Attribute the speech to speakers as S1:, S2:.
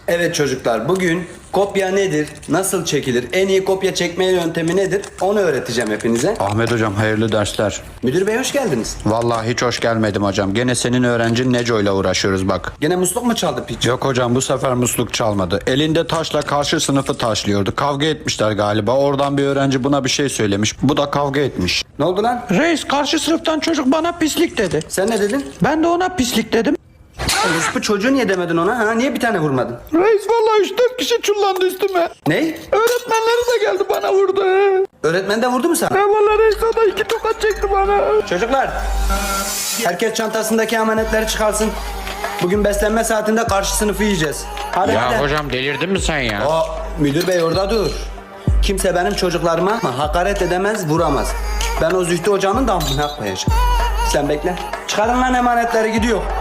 S1: Evet çocuklar, bugün kopya nedir, nasıl çekilir, en iyi kopya çekme yöntemi nedir onu öğreteceğim hepinize.
S2: Ahmet hocam hayırlı dersler.
S1: Müdür bey hoş geldiniz.
S2: Vallahi hiç hoş gelmedim hocam. Gene senin öğrencin Neco ile uğraşıyoruz bak.
S1: Gene musluk mu çaldı piç?
S2: Yok hocam bu sefer musluk çalmadı. Elinde taşla karşı sınıfı taşlıyordu. Kavga etmişler galiba. Oradan bir öğrenci buna bir şey söylemiş. Bu da kavga etmiş.
S1: Ne oldu lan?
S3: Reis karşı sınıftan çocuk bana pislik dedi.
S1: Sen ne dedin?
S3: Ben de ona pislik dedim.
S1: Bu çocuğu niye demedin ona? Ha? Niye bir tane vurmadın?
S3: Reis vallahi 3-4 kişi çullandı üstüme.
S1: Ne?
S3: Öğretmenleri de geldi bana vurdu.
S1: Öğretmen de vurdu mu sana?
S3: Vallahi reis o da 2 tokat çekti bana.
S1: Çocuklar, herkes çantasındaki emanetleri çıkarsın. Bugün beslenme saatinde karşı sınıfı yiyeceğiz. Hadi hadi.
S4: Ya hocam delirdin mi sen ya?
S1: O müdür bey orada dur. Kimse benim çocuklarıma hakaret edemez, vuramaz. Ben o Zühtü hocanın damına koyacağım. Sen bekle. Çıkarın lan emanetleri, gidiyor.